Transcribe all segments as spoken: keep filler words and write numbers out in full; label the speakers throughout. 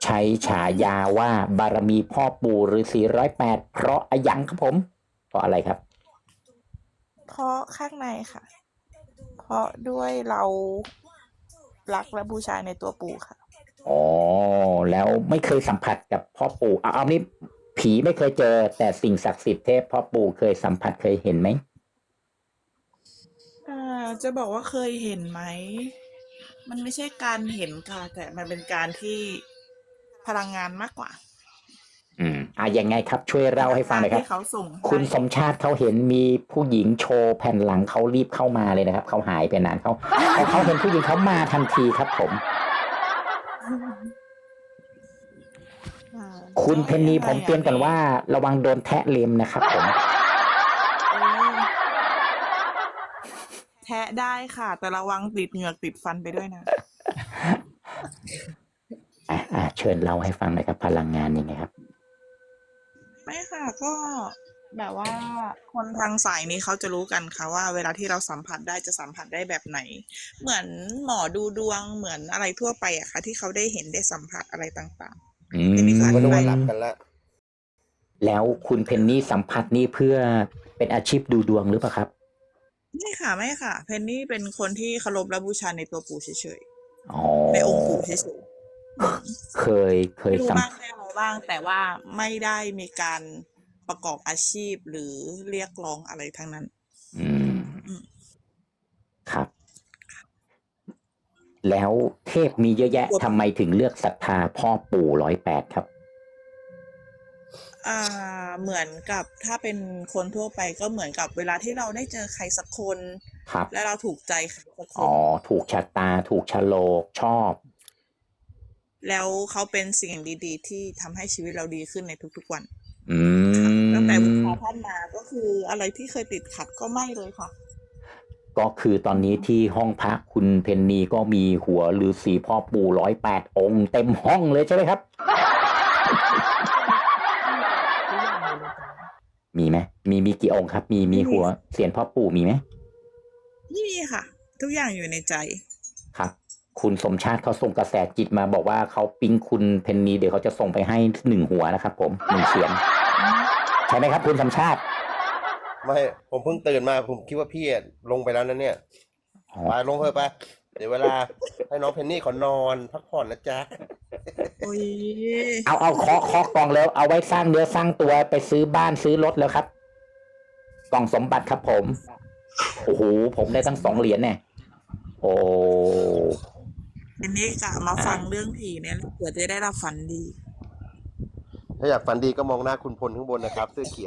Speaker 1: ใช้ฉายาว่าบารมีพ่อปู่ฤาษีร้อยแปดเพราะอะยังครับผมเพราะอะไรครับ
Speaker 2: เพราะข้างในค่ะ เพราะด้วยเรารักและบูชาในตัวปู่ค่ะ
Speaker 1: อ๋อแล้วไม่เคยสัมผัสกับพ่อปู่เอาเอานี่ผีไม่เคยเจอแต่สิ่งศักดิ์สิทธิ์เทพพ่อปู่เคยสัมผัสเคยเห็นไหม
Speaker 2: อ่าจะบอกว่าเคยเห็นไหมมันไม่ใช่การเห็นค่ะแต่มันเป็นการที่พลังงานมากกว่า
Speaker 1: อืมอ่ะยังไงครับช่วย
Speaker 2: พ
Speaker 1: เล่า
Speaker 2: ลังงาน
Speaker 1: ให้ฟังหน่อยครับ
Speaker 2: ที่เขาส่ง
Speaker 1: คุณ
Speaker 2: ให้
Speaker 1: สมชาติเขาเห็นมีผู้หญิงโชว์แผ่นหลังเขารีบเข้ามาเลยนะครับเขาหายไปนานเขาพอเขาเห็นผู้หญิงเขามาทันทีครับผม
Speaker 2: อ่า
Speaker 1: คุณ
Speaker 2: ก็
Speaker 1: เพนนี
Speaker 2: ยังไง
Speaker 1: ผมเตือนก่อน
Speaker 2: อ่ะ
Speaker 1: ว่าระวังโดนแทะเล็มนะครับผม
Speaker 2: เออแทะได้ค่ะ แต่ระวังติดเหงือกติดฟันไปด้วยนะ
Speaker 1: อ่ะอ่ะเชิญเล่าให้ฟังหน่อยครับพลังงานยังไงครับ
Speaker 2: ไม่ค่ะก็แบบว่าคนทางสายนี้เขาจะรู้กันค่ะว่าเวลาที่เราสัมผัสได้จะสัมผัสได้แบบไหน เหมือนหมอดูดวงเหมือนอะไรทั่วไปอะค่ะที่เขาได้เห็นได้สัมผัสอะไรต่าง
Speaker 1: อื
Speaker 2: ๆเป็นนิสั
Speaker 3: ก็
Speaker 2: ย
Speaker 3: นึก
Speaker 2: ไป
Speaker 3: ว่าหลับกันละ
Speaker 1: แล้วคุณเพนนี่สัมผัสนี่เพื่อเป็นอาชีพดูดวงหรือเปล่าครับ
Speaker 2: ไม่ค่ะไม่ค่ะเพนนี่เป็นคนที่เคารพและบูชาในตัวปู่เฉย
Speaker 1: อ๋อ
Speaker 2: ๆในองค์ปู่เฉยๆอืม
Speaker 1: เคยเคย
Speaker 2: รู้
Speaker 1: สัม
Speaker 2: บ้างได้อะไรบ้างแต่ว่าไม่ได้มีการประกอบอาชีพหรือเรียกร้องอะไรทั้งนั้น
Speaker 1: อืม
Speaker 2: อืม
Speaker 1: ครับแล้วเทพมีเยอะแยะทำไมถึงเลือกศรัทธาพ่อปู่ร้อยแปดครับ
Speaker 2: อ่าเหมือนกับถ้าเป็นคนทั่วไปก็เหมือนกับเวลาที่เราได้เจอใครสักคน
Speaker 1: ครับ
Speaker 2: และเราถูกใจใครสักค
Speaker 1: อ๋
Speaker 2: น
Speaker 1: อถูกชะตาถูกชะโลกชอบ
Speaker 2: แล้วเขาเป็นสิ่งดีๆที่ทำให้ชีวิตเราดีขึ้นในทุกๆวัน
Speaker 1: อื
Speaker 2: ค่ะตั้งแต่บู
Speaker 1: ม
Speaker 2: ชาท่านมาก็คืออะไรที่เคยติดขัดก็ไม่เลยค่ะ
Speaker 1: ก็คือตอนนี้ที่ห้องพระคุณเพนนีก็มีหัวฤาษีพ่อปู่ร้อยแปดองค์เต็มห้องเลยใช่ไหมครับ
Speaker 2: ทุกอย่างเลยเลยจ้ะ
Speaker 1: มีไหมมีมีกี่องค์ครับมีมี
Speaker 2: ไม่มี
Speaker 1: หัวเสียนพ่อปู่มีไหม
Speaker 2: ไม่มีค่ะทุกอย่างอยู่ในใจ
Speaker 1: ครับคุณสมชาติเขาส่งกระแสจิตมาบอกว่าเขาปิ๊งคุณเพนนีเดี๋ยวเขาจะส่งไปให้หนึ่งหัวนะครับผมหนึ่งเสียงใช่ไหมครับคุณสมชาติ
Speaker 3: ไม่ผมเพิ่งตื่นมาผมคิดว่าพี่ลงไปแล้วนะเนี่ยไปลงเถอะไปเดี๋ยวเวลาให้น้องเพนนี่เขานอนพักผ่อนนะจ๊ะ
Speaker 2: โอ้ย
Speaker 1: เอาเอาเคาะเคาะกล่องแล้วเอาไว้สร้างเนื้อสร้างตัวไปซื้อบ้านซื้อรถแล้วครับกล่องสมบัติครับผมโอ้โหผมได้ตั้งสองเหรียญเนี่ยโอ้
Speaker 2: ทีนี้กะมาฟังเรื่องผีเนี่ยเผื่อจะได้รับฝันดี
Speaker 3: ถ้าอยากฝันดีก็มองหน้าคุณพลข้างบนนะครับเสื้อเขียว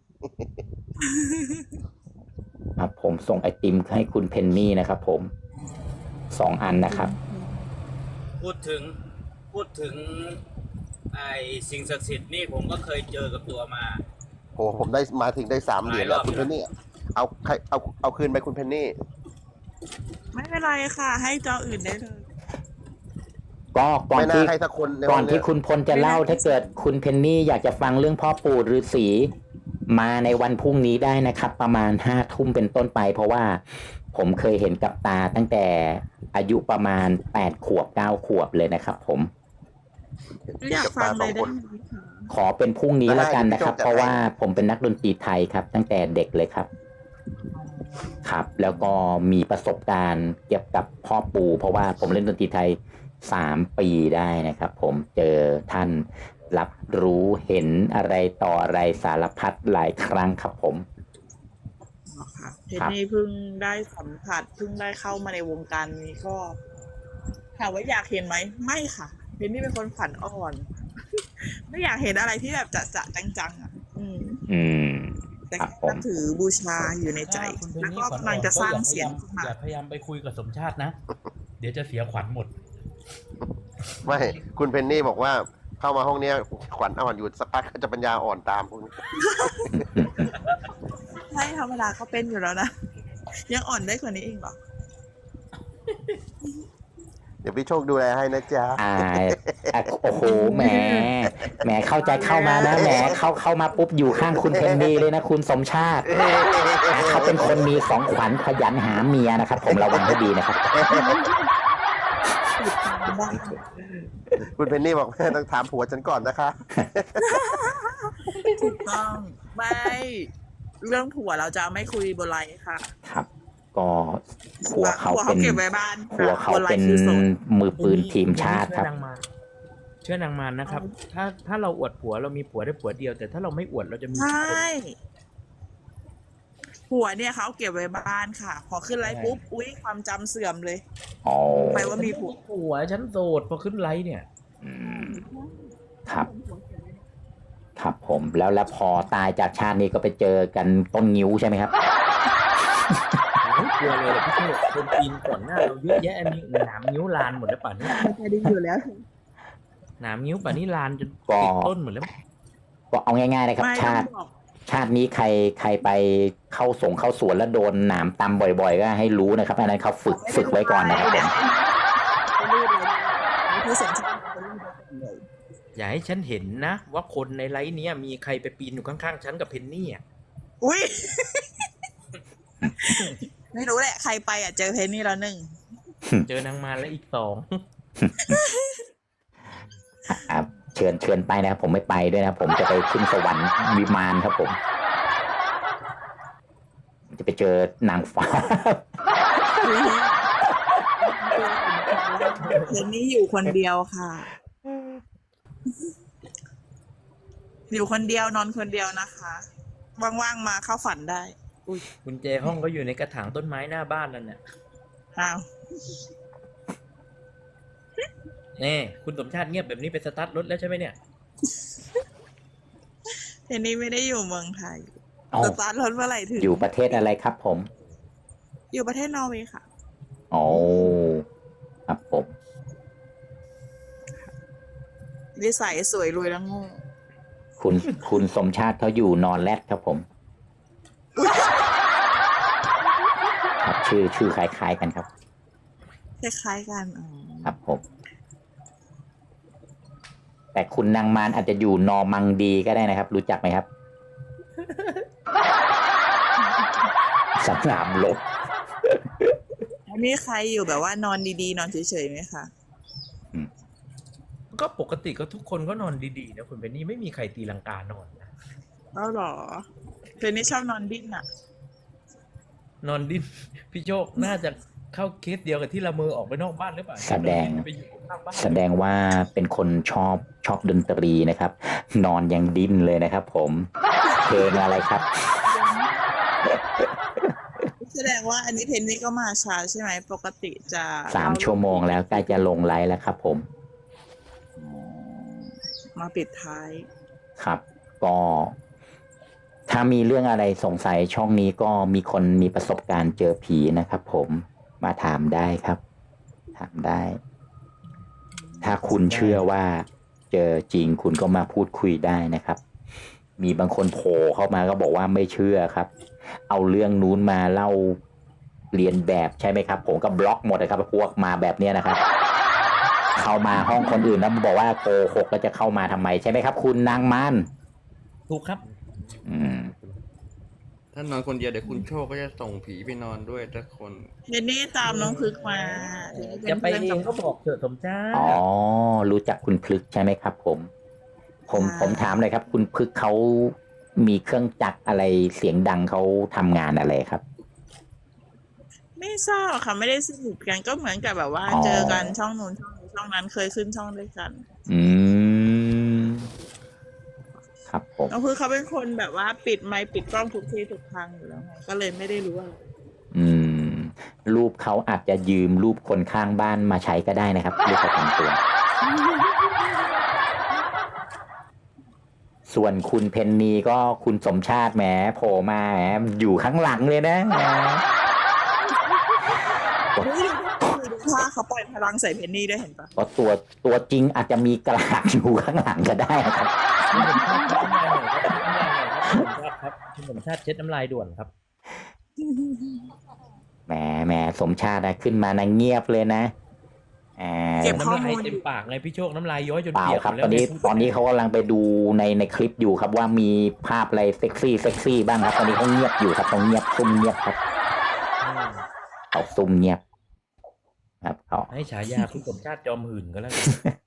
Speaker 1: ครับผมส่งไอติมให้คุณเพนนี่นะครับผมสองอันนะครับ
Speaker 4: พูดถึงพูดถึงไอ้สิ่งศักดิ์สิทธิ์นี่ผมก็เคยเจอกับตัวมา
Speaker 3: โหผมได้มาถึงได้สามเหรียญแล้วคุณเพนนี่เอาใครเอาเอาคืนไปคุณเพนนี่
Speaker 2: ไม่เป็นไรค่ะ ให้จออื่นได้เลย
Speaker 1: ก็ก่อน
Speaker 3: ไม่น่า
Speaker 1: ที่
Speaker 3: ให้สักคนใน
Speaker 1: ก่อ
Speaker 3: วัน น
Speaker 1: ที่
Speaker 3: เนี้ย
Speaker 1: คุณพลจะเล่าถ้าเกิดคุณเพนนี่อยากจะฟังเรื่องพ่อปู่ฤาษีมาในวันพรุ่งนี้ได้นะครับ ประมาณห้าทุ่มเป็นต้นไป เพราะว่าผมเคยเห็นกับตาตั้งแต่อายุประมาณแปดขวบเก้าขวบเลยนะครับ ผม
Speaker 2: อยากฟังเลยได้ไหมคะ
Speaker 1: ขอเป็นพรุ่งนี้แล้วกันนะครับ
Speaker 3: ได้
Speaker 1: เพราะว่าผมเป็นนักดนตรีไทยครับ ตั้งแต่เด็กเลยครับ ครับ แล้วก็มีประสบการณ์เกี่ยวกับพ่อปู่เพราะว่าผมเล่นดนตรีไทยสามปีได้นะครับ ผมเจอท่านรับรู้เห็นอะไรต่ออะไรสารพัดหลายครั้งครับผม
Speaker 2: อ๋อค่ะเพนนี่เพิ่งได้สัมผัสเพิ่งได้เข้ามาในวงการนี้ก็ถามว่าอยากเห็นไหมไม่ค่ะเพนนี่เป็นคนฝันอ่อน ไม่อยากเห็นอะไรที่แบบจะจะจังๆอ่ะ อืม
Speaker 1: อืม
Speaker 2: แต่
Speaker 1: ครับผม
Speaker 2: นับถือบูชาอยู่ในใจ
Speaker 4: ถ้าคุณเพน
Speaker 2: แล้ว
Speaker 4: นี่
Speaker 2: ก็
Speaker 4: ขวัญ
Speaker 2: กำลังจะสร้างเสียง
Speaker 4: ก็
Speaker 2: ขึ้นมา
Speaker 4: อย่าพยายามไปคุยกับสมชาตินะ เดี๋ยวจะเสียขวัญหมด
Speaker 3: ไม่คุณเพนนี่บอกว่าเข้ามาห้องเนี้ยขวัญอ่อนอยู่สักพักก็จะปัญญาอ่อนตามพวกนี้
Speaker 2: ใช่ธรรมดาเขาเป็นอยู่แล้วนะ ยังอ่อนได้กว่านี้อีกเหรอ
Speaker 3: เดี๋ยวพี่โชคดูแลให้นะจ๊ะ
Speaker 1: อ่าอ่ะโอ้โหแหมแหมเข้าใจเข้ามานะแหมเข้าเข้ามาปุ๊บอยู่ข้างคุณเพนนีเลยนะคุณสมชาติอ่ะเขาเป็นคนมีของขวัญขยันหาเมียนะครับ ผมระวังให้ดีนะครับ
Speaker 2: ติดตามได้
Speaker 3: คุณเพนนี่บอกแม่ต้องถามผัวฉันก่อนนะคะ
Speaker 2: ถูกต้องไม่เรื่องผัวเราจะไม่คุยบนไลน์ค่ะ
Speaker 1: ครับ ก็ผัวเขา
Speaker 2: ผัว
Speaker 1: เป็
Speaker 2: เขา
Speaker 1: น
Speaker 2: เก็บไว้บ้าน
Speaker 1: ผัวเขา
Speaker 2: บนไล
Speaker 1: เป็น
Speaker 2: น์คือโสด
Speaker 1: มือปืนทีมชาติครับ
Speaker 5: เชื่อนางมารเชื่อนางมารนะครับ ถ้าถ้าเราอวดผัวเรามีผัวได้ผัวเดียว แต่ถ้าเราไม่อวดเราจะมี
Speaker 2: ใช
Speaker 5: กี่คน่
Speaker 2: ผัวเนี่ยเขาเก็บไว้บ้านค่ะ พอขึ้นไลน์ปุ๊บอุ้ยความจำเสื่อมเลย
Speaker 1: อ๋อ
Speaker 2: ไปว่ามีผัว
Speaker 5: ผัวฉันโสดพอขึ้นไลฟ์เนี่ย
Speaker 1: อืมครับ ครับผม แล้วแล้วพอตายจากชาตินี้ก็ไปเจอกันต้นงิ้วใช่ไหมครับ
Speaker 5: ไม่กลัวเลยแหละพี่โชคคนปีนก่อนหน้าเราเยอะแยะมีหนามนิ้วลานหมดแล้วป่านนี้
Speaker 2: ไม่ค่อยได้อยู่แล้ว
Speaker 5: หนามนิ้วป่านนี้ลานจน
Speaker 1: ก็
Speaker 5: ติดต้นหมดแล้ว
Speaker 1: ก็เอาง่ายๆนะครับ
Speaker 2: ไม่
Speaker 1: ชา
Speaker 2: ต้อ
Speaker 1: ติ
Speaker 2: งบอก
Speaker 1: ชาตินี้ใครใครไปเข้าสงเข้าสวนแล้วโดนหนามตำบ่อยๆ ก็ให้รู้นะครับอันนั้นเขาฝึกฝึกไว้ก่อนนะครับผม
Speaker 2: ไม่รีบเลยไม่ที่สนใจไม่รีบเลย
Speaker 5: อย่าให้ฉันเห็นนะ ว่าคนในไลฟ์เนี้ยมีใครไปปีนอยู่ข้างๆฉันกับเพนนี่อ่ะ
Speaker 2: อุ้ย ไม่รู้แหละใครไปอ่ะเจอเพนนี่แล้วหนึ่ง
Speaker 5: เจอนางมารแล้วอีกสอง
Speaker 1: ครับเชิญเชิญไปนะครับผมไม่ไปด้วยนะผมจะไปขึ้นสวรรค์วิมานครับผม จะไปเจอนางฟ้า
Speaker 2: เพนนี่อยู่คนเดียวค่ะ อยู่คนเดียวนอนคนเดียวนะคะว่างๆมาเข้าฝันได้
Speaker 5: อุ้ยกุญแจห้องก็อยู่ในกระถางต้นไม้หน้าบ้านนั่นน่ะ
Speaker 2: อ้าว
Speaker 5: แน่คุณสมชาติเงียบแบบนี้ไปสตาร์ทรถแล้วใช่ไหมเนี่ย
Speaker 2: เพนนี่ไม่ได้อยู่เมืองไทย
Speaker 1: อ๋อ
Speaker 2: สตาร์ทรถเมื่อไหร่ถึง
Speaker 1: อยู่ประเทศอะไรครับผม
Speaker 2: อยู่ประเทศนอร์เวย์ค่ะ
Speaker 1: โอ้ครับผม
Speaker 2: นิสัยสวยรวยแล้วโง่
Speaker 1: คุณคุณสมชาติเขาอยู่นอนแรดครับผมครับชื่อชื่อคล้ายๆกันครับ
Speaker 2: คล้ายๆกันอ๋อ
Speaker 1: ครับผม แต่คุณนางมารอาจจะอยู่นอร์มังดีก็ได้นะครับ รู้จักไหมครับ สนามรบ
Speaker 2: แล้วมีใครอยู่แบบว่านอนดีๆ นอนเฉยๆไหมคะ
Speaker 5: ก็ปกติก็ทุกคนก็นอนดีๆนะคุณเพนนี่ไม่มีใครตีลังกานอนนะ
Speaker 2: แล้วหรอเพนนี่ชอบนอนดิ้นอ่ะ
Speaker 5: นอนดิ้น พี่โชคน่าจะเข้าเคสเดียวกับที่ละเมอออกไปนอกบ้านหรือเปล่า
Speaker 1: แสดง
Speaker 5: ไปอยู่ข้างบ้าน
Speaker 1: แสดงว่าเป็นคนชอบชอบดนตรีนะครับ นอนยังดิ้นเลยนะครับผมเพลงอะไรครับ
Speaker 2: แสดงว่าอันนี้เพนนี่ก็มาช้าใช่ไหมปกติจะ
Speaker 1: สามชั่วโมงแล้วใกล้จะลงไลฟ์แล้วครับผม
Speaker 2: มาปิดท้าย
Speaker 1: ครับ ก็ถ้ามีเรื่องอะไรสงสัยช่องนี้ก็มีคนมีประสบการณ์เจอผีนะครับผมมาถามได้ครับ ถามได้ ถ้าคุณเชื่อว่าเจอจริงคุณก็มาพูดคุยได้นะครับ มีบางคนโผล่เข้ามาก็บอกว่าไม่เชื่อครับ เอาเรื่องนู้นมาเล่าเรียนแบบใช่ไหมครับ ผมก็บล็อกหมดเลยครับพวกมาแบบเนี้ยนะครับ เข้ามาห้องคนอื่นแล้วบอกว่าโกหกแล้วจะเข้ามาทำไมใช่ไหมครับ คุณนางมัน
Speaker 5: ถูกครับ
Speaker 1: อืม
Speaker 6: ถ้านอนคนเดียวเดี๋ยวคุณโชคก็จะส่งผีไปนอนด้วยทุกคน
Speaker 2: เพนนี่ตามน้องพึกมาเพนนี่
Speaker 5: จะไป
Speaker 2: เป็น
Speaker 5: เอ
Speaker 2: พื่
Speaker 5: ง
Speaker 2: น
Speaker 5: ก็บอกเถอะสมชาติ
Speaker 1: อ๋อ รู้จักคุณพลึกใช่ไหมครับ ผม ผม
Speaker 2: ใช่
Speaker 1: ผมถามเลยครับ คุณพลึกเขามีเครื่องจักรอะไรเสียงดังเขาทำงานอะไรครับ
Speaker 2: ไม่ทราบค่ะไม่ได้สนิทกันก็เหมือนกับแบบว่า
Speaker 1: อ๋อ
Speaker 2: เจอกันช่องนู้นช่องนี้ช่องนั้นเคยขึ้นช่องด้วยกัน
Speaker 1: อืม ครับผม
Speaker 2: น้องพึกเขาเป็นคนแบบว่าปิดไมค์ปิดกล้องทุกที่ทุกทางอยู่แล้วไงก็เลยไม่ได้รู้อะไร
Speaker 1: อืม รูปเขาอาจจะยืมรูปคนข้างบ้านมาใช้ก็ได้นะครับรูปประจำตัว ส่วนคุณเพนนีก็คุณสมชาติแหมโผล่มาแหมอยู่ข้างหลังเลยนะแหม
Speaker 2: นี่ดูท่าเขาปล่อยพลังใส่เพนนี่ด้วยเห็นปะ
Speaker 1: เพราะตัวตัวจริงอาจจะมีกระหากอยู่ข้างหลังก็ได้นะครับ
Speaker 5: คุณสมชาติเช็ดน้ำลายหน่อยครับคุณสมชาติครับคุณสมชาติเช็ดน้ำลายด่วนครับ
Speaker 1: แหมแหมสมชาตินะขึ้นมานะเงียบเลยนะอ่า
Speaker 2: เก็บข้อ
Speaker 5: น้ำลาย
Speaker 2: มูลอ
Speaker 5: เต็ม
Speaker 2: ยู่
Speaker 5: ปากไงพี่โชคน้ำลายย้อยจน
Speaker 1: เปล่า
Speaker 5: เปียก
Speaker 1: ครับ
Speaker 5: หมด
Speaker 1: ตอนนี้
Speaker 5: แล้ว
Speaker 1: ตอนนี้เขากำลังไปดูในในคลิปอยู่ครับว่ามีภาพอะไรเซ็กซี่เซ็กซี่บ้างครับตอนนี้เขาเงียบอยู่ครับเขาเงียบซุ่มเงียบครับ
Speaker 5: อืม
Speaker 1: เขาซุ่มเงียบครับเขา
Speaker 5: ให้ฉายาคุณสมชาติจอมหื่นก็แล้วกัน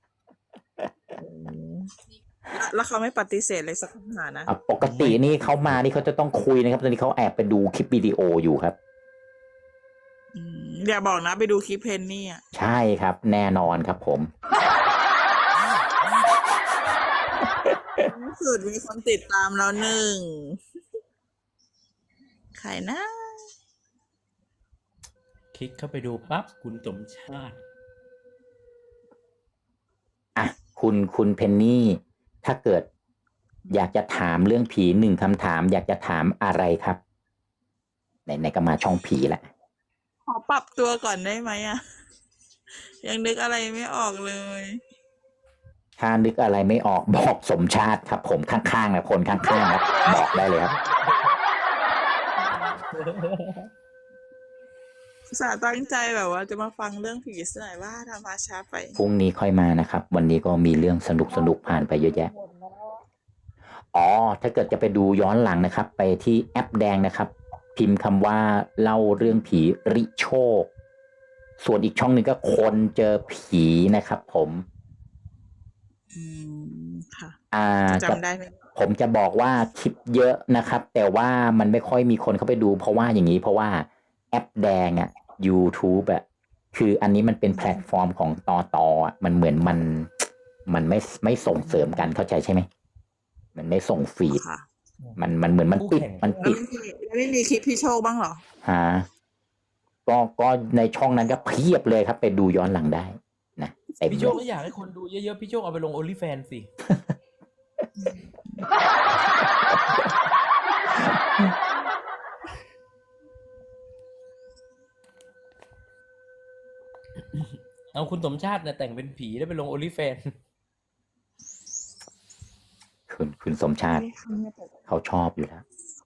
Speaker 2: แล้วเขาไม่ปฏิเสธเลยสักคำถามนะ
Speaker 1: อ่ะปกตินี่เขามานี่เขาจะต้องคุยนะครับตอนนี้เขาแอบไปดูคลิปวิดีโออยู่ครับ
Speaker 2: อืมอย่าบอกนะไปดูคลิปเพนนี่อ่ะ
Speaker 1: ใช่ครับ แน่นอนครับผม
Speaker 2: ล่าสุดมีคนติดตามแล้วหนึ่งใครนะ
Speaker 5: คลิกเข้าไปดูปั๊บคุณสมชาติ
Speaker 1: อ่ะคุณคุณเพนนี่ ถ้าเกิดอยากจะถามเรื่องผีหนึ่งคำถาม อยากจะถามอะไรครับไหนไหนก็มาช่องผีละ
Speaker 2: ขอปรับตัวก่อนได้ไหมอ่ะ ยังนึกอะไรไม่ออกเลย
Speaker 1: ถ้านึกอะไรไม่ออกบอกสมชาติครับ ผมข้างๆนะคนข้างๆครับบอกได้เลยครับ
Speaker 2: สาตั้งใจแบบว่าจะมาฟังเรื่องผีสักหน่อยว่าทำมาช้าไป
Speaker 1: พรุ่งนี้ค่อยมานะครับ วันนี้ก็มีเรื่องสนุกสนุกผ่านไปเยอะแยะ อ๋อ ถ้าเกิดจะไปดูย้อนหลังนะครับ ไปที่แอปแดงนะครับ พิมพ์คำว่าเล่าเรื่องผีริโชค ส่วนอีกช่องหนึ่งก็คนเจอผีนะครับ ผม
Speaker 2: อืมค่ะ
Speaker 1: อ่า
Speaker 2: จำได้ไหม
Speaker 1: ผมจะบอกว่าคลิปเยอะนะครับ แต่ว่ามันไม่ค่อยมีคนเข้าไปดู เพราะว่าอย่างนี้เพราะว่าแอปแดงอ่ะ YouTube อ่ะคืออันนี้มันเป็นแพลตฟอร์มของตอตอ่ะมันเหมือนมันมันไม่ไม่ส่งเสริมกันเข้าใจใช่ไหมมันไม่ส่งฟีด
Speaker 2: ค่ะ
Speaker 1: มันมันเหมือนมันปิดมัน
Speaker 2: แล้ว
Speaker 1: ปิด
Speaker 2: ไม่มีแล้วไม่มีคลิปพี่โชคบ้างเหรอ
Speaker 1: ฮะก็ก็ในช่องนั้นก็เพียบเลยครับ ไปดูย้อนหลังได้นะเต็ม
Speaker 5: พี่
Speaker 1: เล
Speaker 5: โชค
Speaker 1: ย
Speaker 5: ก็อยากให้คนดูเยอะๆ พี่โชคเอาไปลงโอลิแฟนสิ เอาคุณสมชาติเนี่ยแต่งเป็นผีแล้วไปลงโอลิแฟน
Speaker 1: คุณคุณสมชาติเขาชอบอยู่แล้ว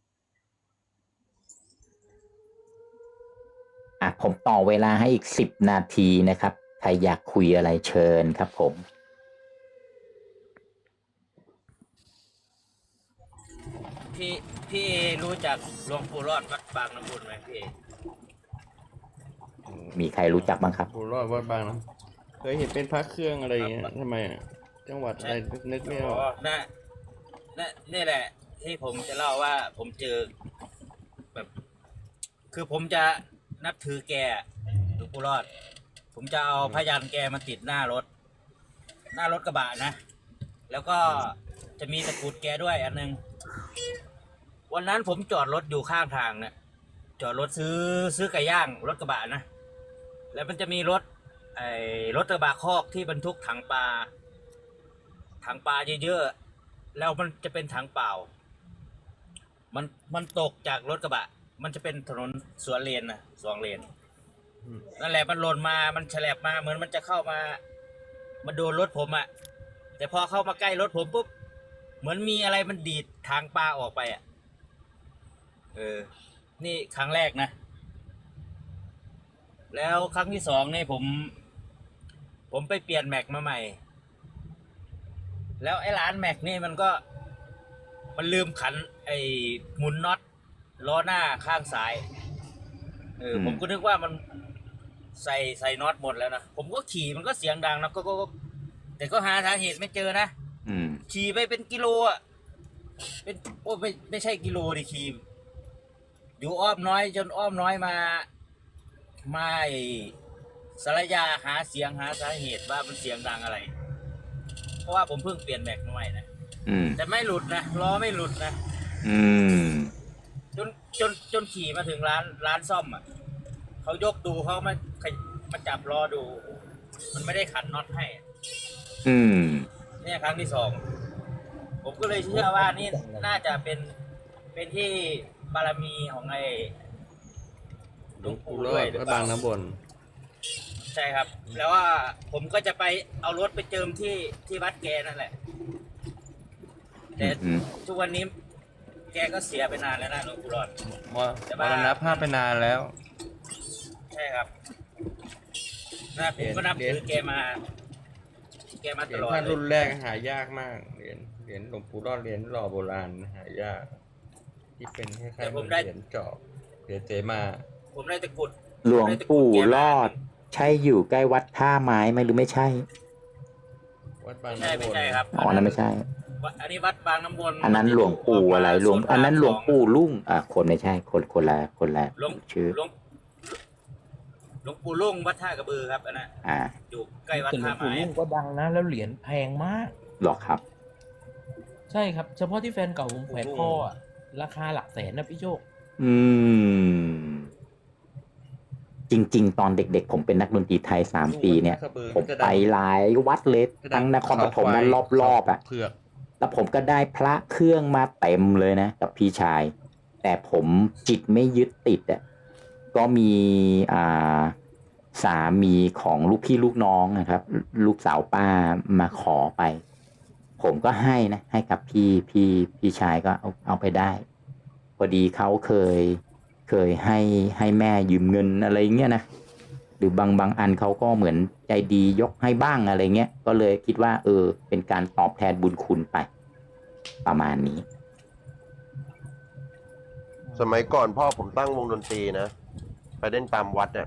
Speaker 1: อ่ะผมต่อเวลาให้อีกสิบนาทีนะครับใครอยากคุยอะไรเชิญครับผม
Speaker 4: พี่พี่รู้จักหลวงปู่รอดวัดบางน้ำบุญไหมพี่
Speaker 1: มีใครรู้จักบ้างครับ
Speaker 6: ผมรอดวัดบางนะเคยเห็นเป็นพระเครื่องอะไรอย่างเงี้ยทำไมอะจังหวัดอะไรนึกไม่ออก
Speaker 4: น่ะน่ะนี่แหละ ที่ผมจะเล่าว่าผมเจอแบบ คือผมจะนับถือแกหลวงปู่รอด ผมจะเอาพยันแกมาติดหน้ารถ หน้ารถกระบะนะ แล้วก็จะมีตะกรุดแกด้วยอันนึง วันนั้นผมจอดรถอยู่ข้างทางเนี่ยจอดรถซื้อซื้อไก่ย่างรถกระบะนะ แล้วมันจะมีรถไอ้รถกระบะคอกที่บรรทุกถังปลาถังปลาเยอะๆแล้วมันจะเป็นถังเปล่า มันมันตกจากรถกระบะ มันจะเป็นถนนสวนเลนนะสองเลน
Speaker 6: อืม
Speaker 4: นั่นแหละมันหล่นมามันแฉลบมาเหมือนมันจะเข้ามามาโดนรถผมอะแต่พอเข้ามาใกล้รถผมปุ๊บเหมือนมีอะไรมันดีดทางปลาออกไปอะเออ นี่ครั้งแรกนะ แล้วครั้งที่สองนี่ผม ผมไปเปลี่ยนแม็กมาใหม่ แล้วไอ้ร้านแม็กนี่มันก็ มันลืมขัน ไอ้หมุนน็อตล้อหน้าข้างซ้าย เออ
Speaker 1: อืม
Speaker 4: ผมก็นึกว่ามันใส่ใส่น็อตหมดแล้วนะ ผมก็ขี่มันก็เสียงดังนะก็ก็ก็แต่ก็หาสาเหตุไม่เจอนะ
Speaker 1: อืม
Speaker 4: ขี่ไปเป็นกิโลอ่ะ เป็นโอ้ไม่ไม่ใช่กิโลดิขี่อยู่อ้อมน้อยจนอ้อมน้อยมา มาไอ้สารยาหาเสียงหาสาเหตุว่ามันเสียงดังอะไร เพราะว่าผมเพิ่งเปลี่ยนแม็กมาใหม่นะ
Speaker 1: อืม
Speaker 4: แต่ไม่หลุดนะล้อไม่หลุดนะ
Speaker 1: อืม
Speaker 4: จนจนจนขี่มาถึงร้านร้านซ่อมอ่ะเขายกดูเขามาขยมาจับล้อดู มันไม่ได้ขันน็อตให้
Speaker 1: อืม
Speaker 4: เนี่ยครั้งที่สอง ผมก็เลยเชื่อว่านี่น่าจะเป็นเป็นที่บารมีของไอ้หลวงปู่
Speaker 6: ร
Speaker 4: ด้
Speaker 6: อ
Speaker 4: วย
Speaker 6: ด
Speaker 4: หรือ
Speaker 6: วัด
Speaker 4: เป
Speaker 6: บา
Speaker 4: ล่าง
Speaker 6: น้ำบน
Speaker 4: ใช่ครับ แล้วว่าผมก็จะไปเอารถไปเจิมที่ที่วัดแกนั่นแหละ แต่
Speaker 1: อืม
Speaker 4: ทุกวันนี้ แกก็เสียไปนานแล้วนะหลวงปู่รอด
Speaker 6: มรมรณภาพไปนานแล้ว
Speaker 4: ใช่ครับนะผมก็นับถือแกมา แกมา
Speaker 6: เห
Speaker 4: ต
Speaker 6: รียญ
Speaker 4: ลอด
Speaker 6: ท่าน
Speaker 4: เล
Speaker 6: รุ่
Speaker 4: ย
Speaker 6: นแรกหายากมาก เหรียญเหรียญหลวงปู่รอดเหรียญหล่อโบราณหายาก ที่เป็นคล้ายๆเหมือนเหรียญจอบเหรียญเจมา
Speaker 4: ผมได้ตะกรุด
Speaker 1: หลวงปู่รอดใช่อยู่ใกล้วัดท่าไม้ไหมหรือไม่ใช่
Speaker 6: วัดบาง
Speaker 4: ไม่ใช่
Speaker 6: น้ำว
Speaker 4: ไม่
Speaker 6: น
Speaker 4: ใช่ครับ
Speaker 1: อ๋อนั่นไม่ใช่
Speaker 4: วัดอันนี้วัดบางน้ำวน
Speaker 1: อันนั้นหลวงปู่อะไรหลวงอันนั้นหลวงปู่ลุ่งอ่ะคนไม่ใช่คนคนละคนละ
Speaker 4: หลวง
Speaker 1: ชื่อ
Speaker 4: หลวงหลวงปู่ลุ่งวัดท่ากระบือครับอันนั้น
Speaker 1: อ่า
Speaker 4: อยู่ใกล้วัด
Speaker 5: แต่หลว
Speaker 4: ท่าง
Speaker 5: ปู่
Speaker 4: ไม้
Speaker 5: ลุ่งก็ดังนะ แล้วเหรียญแพงมาก
Speaker 1: หรอครับ
Speaker 5: ใช่ครับ เฉพาะที่แฟนเก่าผมแขวนคออะราคาหลักแสนนะพี่โชค
Speaker 1: อืม จริง ๆ ตอนเด็ก ๆ ผมเป็นนักดนตรีไทยสามปีเนี่ย ผมไปหลายวัดเลยทั้งนครปฐมและรอบๆอ่ะ
Speaker 6: เผือก
Speaker 1: แล้วผมก็ได้พระเครื่องมาเต็มเลยนะกับพี่ชาย แต่ผมจิตไม่ยึดติดอ่ะก็มีอ่าสามีของลูกพี่ลูกน้องนะครับ ลูกสาวป้ามาขอไป ผมก็ให้นะให้กับพี่พี่พี่ชายก็เอาเอาไปได้ พอดีเขาเคยเคยให้ให้แม่ยืมเงินอะไรเงี้ยนะหรือบางบางอันเขาก็เหมือนใจดียกให้บ้างอะไรเงี้ยก็เลยคิดว่า เออ เป็นการตอบแทนบุญคุณไป ประมาณนี้
Speaker 3: สมัยก่อนพ่อผมตั้งวงดนตรีนะไปเล่นตามวัดเนี่ย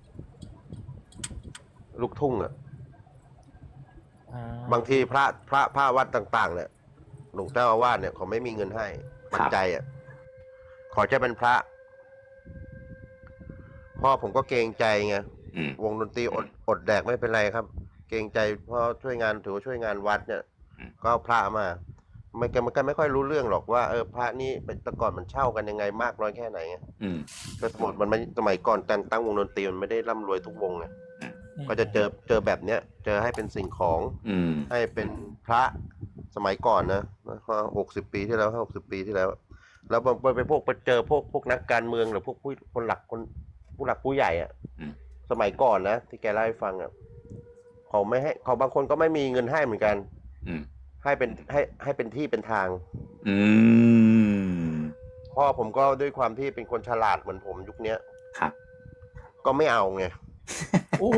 Speaker 3: ลูกทุ่งอ่ะ
Speaker 5: อ่า
Speaker 3: บางทีพระพระพระวัดต่างๆเนี่ยหลวงเจ้าอาวาสเนี่ยเขาไม่มีเงินให้ปัจจัยอ่ะขอจะเป็นพระพ่อผมก็เกรงใจไง
Speaker 1: อืม
Speaker 3: วงดนตรีอดอดแดกไม่เป็นไรครับ เกรงใจพ่อช่วยงานถือว่าช่วยงานวัดเนี่ย
Speaker 1: อืม
Speaker 3: ก็เอาพระมาไม่แกมันก็ไม่ค่อยรู้เรื่องหรอกว่าเออพระนี่เป็นแต่ก่อนมันเช่ากันยังไงมากน้อยแค่ไหนไง
Speaker 1: อืม
Speaker 3: ก็สมมติมันไม่สมัยก่อนการตั้งวงดนตรีมันไม่ได้ร่ำรวยทุกวงไงก็จะเจอเจอแบบเนี้ย เจอให้เป็นสิ่งของ
Speaker 1: อืม
Speaker 3: ให้เป็นพระสมัยก่อนนะหกสิบปีที่แล้วหกสิบปีที่แล้ว แล้วไปไปพวกไปเจอพวกพวกนักการเมืองหรือพวกผู้คนหลักคนผู้หลักผู้ใหญ่อะ
Speaker 1: อืม
Speaker 3: สมัยก่อนนะที่แกเล่าให้ฟังอะเขาไม่ให้เขาบางคนก็ไม่มีเงินให้เหมือนกัน
Speaker 1: อืม
Speaker 3: ให้เป็นให้ให้เป็นที่เป็นทาง
Speaker 1: อืม
Speaker 3: พ่อผมก็ด้วยความที่เป็นคนฉลาดเหมือนผมยุคเนี้ย
Speaker 1: ครับ
Speaker 3: ก็ไม่เอาไง
Speaker 5: โอ้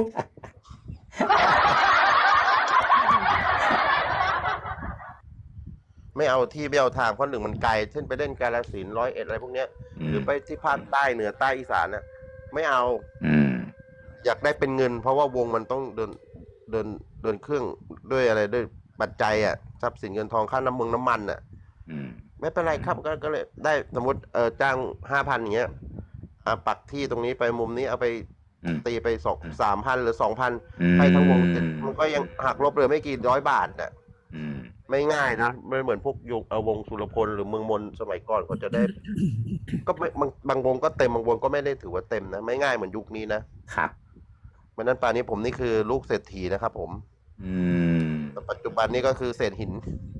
Speaker 3: ไม่เอาที่ไม่เอาทางเพราะหนึ่งมันไกลเช่นไปเล่นกาฬสินธุ์ร้อยเอ็ดอะไรพวกเนี้ย
Speaker 1: อื
Speaker 3: ห
Speaker 1: ม
Speaker 3: รือไปที่ภาคใต้เหนือใต้อีสานน่ะไม่เอา
Speaker 1: อืม
Speaker 3: อยากได้เป็นเงิน เพราะว่าวงมันต้องเดินเดินเดินเครื่องด้วยอะไรด้วยปัจจัยอ่ะทรัพย์สินเงินทองค่าน้ำมึงน้ำมันอ่ะ
Speaker 1: อืม
Speaker 3: ไม่เป็นไรครับก็ก็เลยได้สมมติเออจ้างห้าพันอย่างเงี้ยอ่ะปักที่ตรงนี้ไปมุมนี้เอาไป
Speaker 1: อืม
Speaker 3: ตีไปสองสามพันหรือสองพัน
Speaker 1: อืม
Speaker 3: ให้ทั้งวงมันก็ยังหักลบเหลือไม่กี่ร้อยบาทน่ะ
Speaker 1: อืม
Speaker 3: ไม่ง่ายนะไม่เหมือนพวกยุคเอ่อวงสุรพลหรือเมืองมนสมัยก่อนก็จะได้ ก็ไม่บางบางวงก็เต็มบางวงก็ไม่ได้ถือว่าเต็มนะไม่ง่ายเหมือนยุคนี้นะครับ เพราะฉะนั้นป่านนี้ผมนี่คือลูกเศรษฐีนะครับผม
Speaker 1: อืม
Speaker 3: แต่ปัจจุบันนี้ก็คือเศษหิน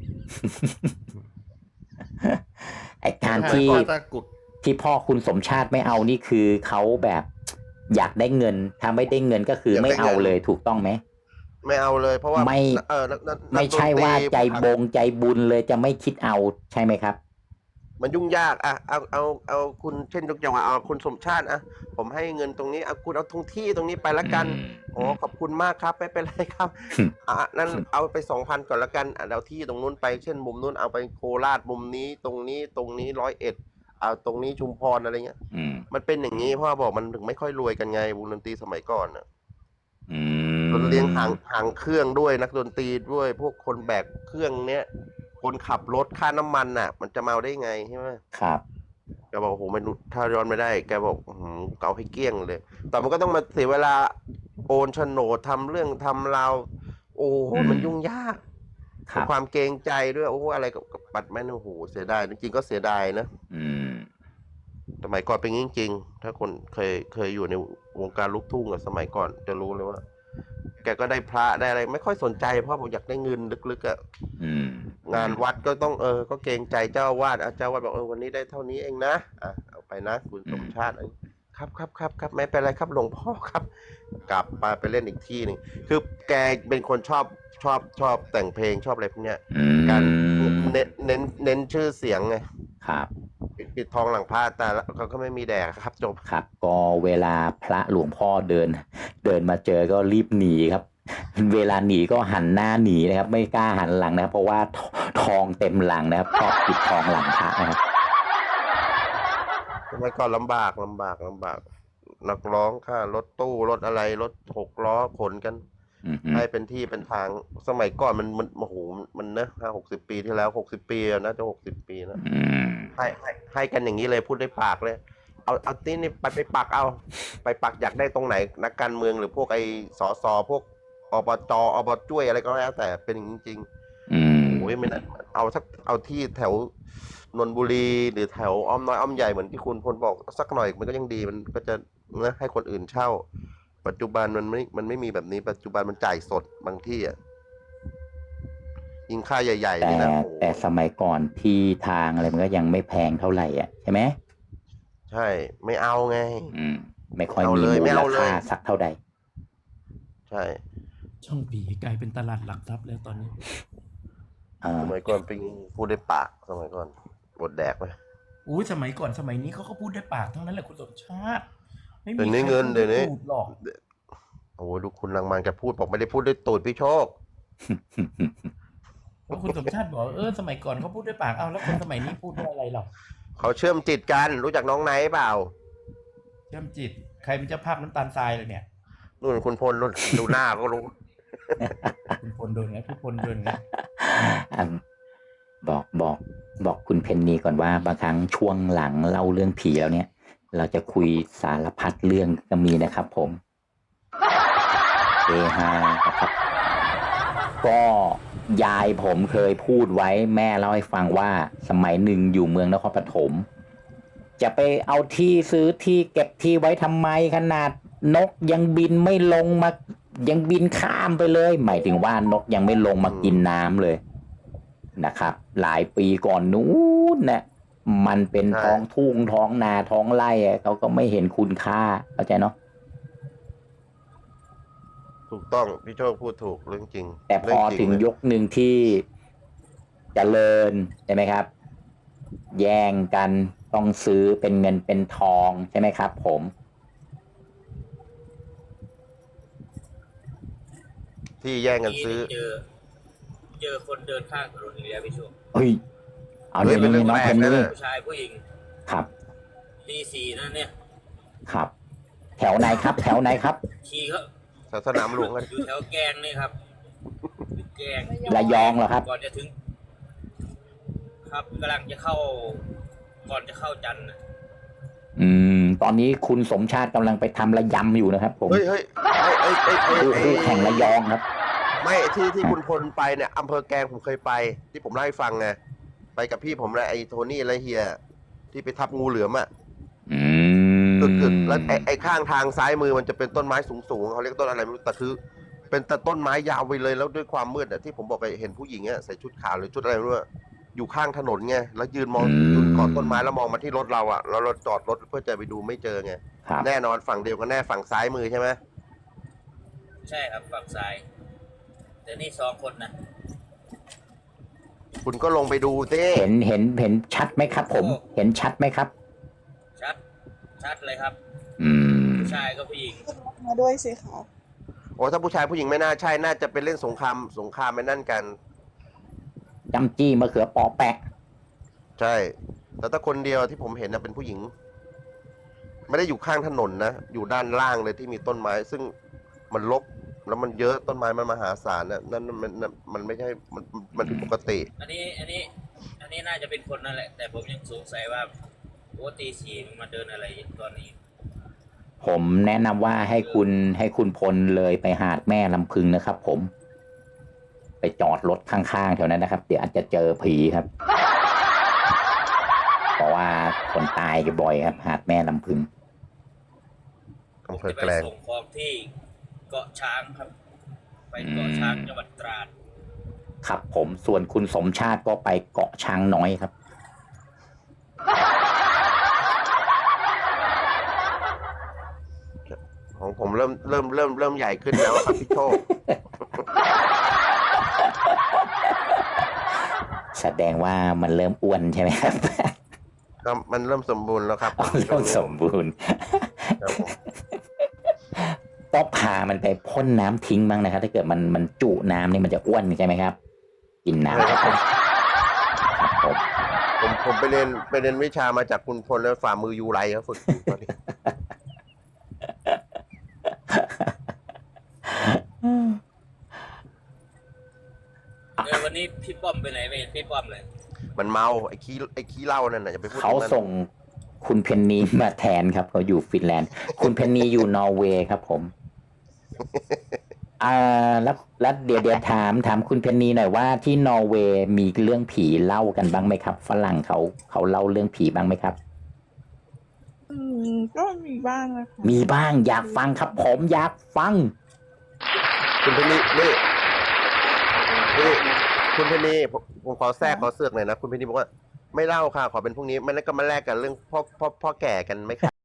Speaker 1: ไอการ
Speaker 6: ถ้า
Speaker 1: ที่
Speaker 6: ถ้ากุด
Speaker 1: ที่พ่อคุณสมชาติไม่เอานี่คือเขาแบบ อยากได้เงิน ถ้าไม่ได้เงินก็คือ
Speaker 3: อยากได้
Speaker 1: ไม่เอา
Speaker 3: เงิน
Speaker 1: เลยถูกต้องไหม
Speaker 3: ไม่เอาเลย เพราะว่า
Speaker 1: ไม่
Speaker 3: เออนักนักนัก
Speaker 1: ไม่ใช่ว่า
Speaker 3: ดนตรี
Speaker 1: ใจบงใจบุญเลยจะไม่คิดเอาใช่ไหมครับ
Speaker 3: มันยุ่งยากอ่ะเอาเอาเอาคุณเช่นยกอย่างว่าเอาคุณสมชาติอ่ะผมให้เงินตรงนี้เอาคุณเอาทุงที่ตรงนี้ไปละกัน
Speaker 1: อืม
Speaker 3: อ๋อขอบคุณมากครับไม่เป็นไรครับ
Speaker 1: อืม
Speaker 3: อ่ะนั่นเอาไปสองพันก่อนละกันอ่ะเอาที่ตรงนู้นไปเช่นมุมนู้นเอาไปโคราชมุมนี้ตรงนี้ตรงนี้ร้อยเอ็ดเอาตรงนี้ชุมพรอะไรเงี้ย
Speaker 1: อืม
Speaker 3: มันเป็นอย่างนี้พ่อบอกมันถึงไม่ค่อยรวยกันไงวงดนตรีสมัยก่อนอ่ะ
Speaker 1: อืม
Speaker 3: เราเลี้ยงหางหางเครื่องด้วยนักดนตรีด้วยพวกคนแบกเครื่องเนี้ยคนขับรถค่าน้ำมันน่ะ มันจะมาเอาได้ไงใช่ไหม
Speaker 1: ครับ
Speaker 3: แกบอกโอ้โหมันถ้าย้อนไม่ได้แกบอกอื้อหือเก่าให้เกลี้ยงเลย แต่มันก็ต้องมาเสียเวลาโอนโฉนดทำเรื่องทำราวโอ้โห
Speaker 1: อืม
Speaker 3: มันยุ่งยาก
Speaker 1: ครับ
Speaker 3: ความเกรงใจด้วยโอ้โหอะไรกับกับปัดแม่นโอ้โหเสียดายจริงๆก็เสียดายนะ
Speaker 1: อืม
Speaker 3: สมัยก่อนเป็นอย่างนี้จริงๆถ้าคนเคยเคยอยู่ในวงการลูกทุ่งอะสมัยก่อนจะรู้เลยว่า แกก็ได้พระได้อะไรไม่ค่อยสนใจเพราะผมอยากได้เงินลึกๆอะ
Speaker 1: อืม
Speaker 3: งานวัดก็ต้องเออ ก็เกรงใจเจ้าอาวาดเจ้าอาวาดบอกเออวันนี้ได้เท่านี้เองนะอ่ะเอาไปนะคุณสมชาติครับครับครับครับไม่เป็นไรครับหลวงพ่อครับ กลับมาไปเล่นอีกที่หนึ่งคือแกเป็นคนชอบชอบชอบแต่งเพลงชอบอะไรพวกเนี้ย
Speaker 1: อืม
Speaker 3: การเน้นเน้นเน้นชื่อเสียงไง
Speaker 1: ครับ
Speaker 3: ปิดปิดทองหลังพระแต่ละเขาก็ไม่มีแดกครับจบ
Speaker 1: ครับ ก็เวลาพระหลวงพ่อเดิน เดินมาเจอก็รีบหนีครับ เวลาหนีก็หันหน้าหนีนะครับ ไม่กล้าหันหลังนะครับ เพราะว่าททองเต็มหลังนะครับชอบปิดทองหลังพระนะครับ
Speaker 3: สมัยก่อนลำบากลำบากลำบากนักร้องค่ารถตู้รถอะไรรถหกล้อขนกัน
Speaker 1: อืม
Speaker 3: ให้เป็นที่เป็นทางสมัยก่อนมันมันโอ้โหมันนะห้าหกสิบปีที่แล้วหกสิบปีอะนะจะหกสิบปีนะ
Speaker 1: อืม
Speaker 3: ให้ให้ให้กันอย่างนี้เลยพูดได้ปากเลย เอาเอาที่นี่ไปไปปักเอา ไปปักอยากได้ตรงไหนนักการเมืองหรือพวกไอ้สสพวกอบจอบจ้วยอะไรก็แล้วแต่เป็นอย่างนี้จริง
Speaker 1: อืม
Speaker 3: โอ้ยไม่น่าเอาสักเอาที่แถวนนทบุรีหรือแถวอ้อมน้อยอ้อมใหญ่เหมือนที่คุณพลบอกสักหน่อยมันก็ยังดีมันก็จะนะให้คนอื่นเช่า ปัจจุบันมันไม่มันไม่มีแบบนี้ ปัจจุบันมันจ่ายสดบางที่อ่ะยิงค่าใหญ่ๆ
Speaker 1: แต่
Speaker 3: นี่นะโอ้โห
Speaker 1: แต่สมัยก่อนที่ทางอะไรมันก็ยังไม่แพงเท่าไหร่อ่ะใช่ไหม
Speaker 3: ใช่ ไม่เอาไง
Speaker 1: อืม ไม่ค่อย
Speaker 3: เอา
Speaker 1: มี
Speaker 3: เลย
Speaker 1: มู
Speaker 3: ไม่
Speaker 1: ล
Speaker 3: เอาเลย
Speaker 1: ค่าสักเท่าใด
Speaker 3: ใช่
Speaker 5: ช่องผีกลายเป็นตลาดหลักทรัพย์แล้วตอนนี้
Speaker 1: อ่า
Speaker 3: สมัยก่อนเป็นพูดได้ปากสมัยก่อนบดแดกไป
Speaker 5: อุ้ยสมัยก่อนสมัยนี้เขาก็พูดได้ปากทั้งนั้นแหละคุณสมชาติ ไม่มี
Speaker 3: เดี๋ยวนี้
Speaker 5: ใคร
Speaker 3: เงิน
Speaker 5: พู
Speaker 3: เดี๋ยวนี้
Speaker 5: ถูกหรอก
Speaker 3: โอ้โหดูคุณลังมันแกพูดบอกไม่ได้พูดด้วยตูดพี่โชค
Speaker 5: เพราะคุณสมชาติบอกเออสมัยก่อนเขาพูดด้วยปากเอาแล้วคนสมัยนี้พูดด้วยอะไรหรอ
Speaker 3: เขาเชื่อมจิตกันรู้จักน้องไนท์เปล่า
Speaker 5: เชื่อมจิตใครเป็นเจ้าภาพน้ำตาลทรายเลยเนี่ย
Speaker 3: นู่นคุณพลนู่นดูหน้าก็รู้
Speaker 5: คุณพลโดนไงพี่พลโดนไง
Speaker 1: อ่ะบอกบอกบอกคุณเพนนีก่อนว่าบางครั้งช่วงหลังเล่าเรื่องผีแล้วเนี่ย เราจะคุยสารพัดเรื่องก็มีนะครับผมเฮฮานะครับ ก็ยายผมเคยพูดไว้แม่เล่าให้ฟังว่าสมัยหนึ่งอยู่เมืองนครปฐมจะไปเอาที่ซื้อที่เก็บที่ไว้ทำไมขนาดนกยังบินไม่ลงมายังบินข้ามไปเลย หมายถึงว่านกยังไม่ลงมากินน้ำเลยนะครับ หลายปีก่อนนู้นนะมันเป็น
Speaker 3: ใช่
Speaker 1: ท้องทุ่งท้องนาท้องไร่อะเขาก็ไม่เห็นคุณค่าเข้าใจเนาะ
Speaker 3: ถูกต้องพี่โชคพูดถูกเรื่องจริง
Speaker 1: แต่พอ
Speaker 3: เรื่จริ
Speaker 1: ถึง
Speaker 3: เลย
Speaker 1: ยกหนึ่งที่เจริญใช่ไหมครับ แย่งกันต้องซื้อเป็นเงินเป็นทองใช่ไหมครับ ผม
Speaker 3: ที่แย่งกันซื้อ
Speaker 4: เจอ เจอคนเดินข้างถนนอีกแล้วพี่โชค
Speaker 1: เฮ้ยเอา
Speaker 3: เฮ้
Speaker 1: เดี๋
Speaker 3: ย
Speaker 1: ยว
Speaker 3: เป็นเรื่
Speaker 1: นี้
Speaker 3: อง
Speaker 1: น้อง
Speaker 3: แปล
Speaker 1: เพ
Speaker 3: ก
Speaker 1: น
Speaker 3: นะ
Speaker 1: นี่
Speaker 3: เนี่ย
Speaker 4: ผู้ชายผู้หญิง
Speaker 1: ครับ
Speaker 4: ตีสี่นั่นเนี่ย
Speaker 1: ครับ แถวไหนครับ แถวไหนครับ
Speaker 4: ขี่เขา
Speaker 3: แถวสนามหลวงกัน
Speaker 4: อยู่แถวแกงนี่ครับอยู่แกง
Speaker 1: ระยองเหรอครับ
Speaker 4: ก่อนจะถึง ครับกำลังจะเข้า ก่อนจะเข้าจันทร์นะ
Speaker 1: อืม ตอนนี้คุณสมชาติกำลังไปทำระยำอยู่นะครับ ผม
Speaker 3: เฮ้ยเฮ้ยเฮ้ยเฮ้ยเฮ้ยเฮ้ย
Speaker 1: คู่
Speaker 3: เฮ้
Speaker 1: คู่
Speaker 3: ย
Speaker 1: แข่งระยองครับ
Speaker 3: ไม่ที่ที่คุณพลไปเนี่ยอำเภอแกลงผมเคยไป ที่ผมเล่าให้ฟังไงไปกับพี่ผมและไอ้โทนี่และเฮียที่ไปทับงูเหลือมอ่ะ
Speaker 1: อืม
Speaker 3: กึกๆแล้วไอ้ไอ้ข้างทางซ้ายมือมันจะเป็นต้นไม้สูงๆเขาเรียกต้นอะไรไม่รู้แต่คือ เป็นแต่ต้นไม้ยาวไปเลยแล้วด้วยความมืดอ่ะที่ผมบอกไปเห็นผู้หญิงอ่ะใส่ชุดขาวหรือชุดอะไรไม่รู้อะอยู่ข้างถนนไงแล้วยืนมองยืนกอดต้นไม้แล้วมองมาที่รถเราอ่ะแล้วเราจอดรถเพื่อจะไปดูไม่เจอไง
Speaker 1: ครับ
Speaker 3: แน่นอนฝั่งเดียวกันแน่ฝั่งซ้ายมือใช่ไหม
Speaker 4: ใช่ครับฝั่งซ้าย แต่นี่สองคนนะ
Speaker 3: คุณก็ลงไปดูสิ
Speaker 1: เห็นเห็นเห็นชัดไหมครับ ผม เห็นชัดไหมครับ
Speaker 4: ชัด ชัดเลยครับ
Speaker 1: อืม
Speaker 4: ผู้ชายก็ผู้หญิง
Speaker 2: มาด้วยสิคะ
Speaker 3: โอ้ถ้าผู้ชายผู้หญิงไม่น่าใช่น่าจะเป็นเล่นสงครามสงครามไปนั่นกัน
Speaker 1: จำจี้มะเขือปอแปะ
Speaker 3: ใช่ แต่ถ้าคนเดียวที่ผมเห็นนะเป็นผู้หญิง ไม่ได้อยู่ข้างถนนนะ อยู่ด้านล่างเลยที่มีต้นไม้ ซึ่งมันรกแล้วมันเยอะต้นไม้มันมหาศาลนะนั่นมันมันมันไม่ใช่มันมันผิดปกติ
Speaker 4: อันนี้ อันนี้ อันนี้น่าจะเป็นคนนั่นแหละ แต่ผมยังสงสัยว่าโอ้ตีสี่มันมาเดินอะไรตอนนี้
Speaker 1: ผมแนะนำว่าให้คุณให้คุณพลเลยไปหาดแม่ลำพึงนะครับ ผม ไปจอดรถข้างๆแถวนั้นนะครับ เดี๋ยวอาจจะเจอผีครับ เพราะว่าคนตายกันบ่อยครับ หาดแม่ลำพึง
Speaker 3: อำเภ
Speaker 4: จะ
Speaker 3: อ
Speaker 4: ไป
Speaker 3: แกลง
Speaker 4: ส่งของที่เกาะช้างครับ ไปเกาะช้างจังหวัดตราด
Speaker 1: ครับ ผมส่วนคุณสมชาติก็ไปเกาะช้างน้อยครับ
Speaker 3: ของผมเริ่มเริ่มเริ่มเริ่มใหญ่ขึ้นแล้วครับพี่โชค
Speaker 1: แสดงว่ามันเริ่มอ้วนใช่ไหมครับ
Speaker 3: ครับมันเริ่มสมบูรณ์แล้วครับ
Speaker 1: อ๋อเริ่มสมบูรณ์
Speaker 3: ครับผม
Speaker 1: ต้องพามันไปพ่นน้ำทิ้งบ้างนะครับ ถ้าเกิดมันมันจุน้ำนี่มันจะอ้วนใช่ไหมครับ กินน้ำ
Speaker 3: ใช่ครับผม
Speaker 1: ครับผม
Speaker 3: ผมผมไปเรียนไปเรียนวิชามาจากคุณพลแล้วฝ่ามือยูไรครับฝึกอยู่ตอนนี้
Speaker 4: พี่ป้อมไปไหนไม่เห็นพี่ป้อมเลย
Speaker 3: มันเมาไอ้ขี้ไอ้ขี้เหล้านั่นน่ะอย่าไปพูด
Speaker 1: เขา
Speaker 3: ถึงมัน
Speaker 1: ส่งคุณเพนนีมาแทนครับเขาอยู่ฟินแลนด์ คุณเพนนีอยู่นอร์เวย์ครับผมอ่าแล้วแล้วเดี๋ยวเดี๋ยวถามถามคุณเพนนีหน่อยว่าที่นอร์เวย์มีเรื่องผีเล่ากันบ้างไหมครับฝรั่งเขาเขาเล่าเรื่องผีบ้างไหมครับ
Speaker 2: อืมก็มีบ้างนะคะ
Speaker 1: มีบ้างอยากฟังครับ ผมอยากฟัง
Speaker 3: คุณเพนนีนี่นี่คุณเพนนีผมผมขอแทรกขอเสือกหน่อยนะคุณเพนนีบอกว่าไม่เล่าค่ะขอเป็นพรุ่งนี้ไม่แล้วก็มาแลกกันเรื่องพ่อพ่อพ่อแก่กันไหมคะ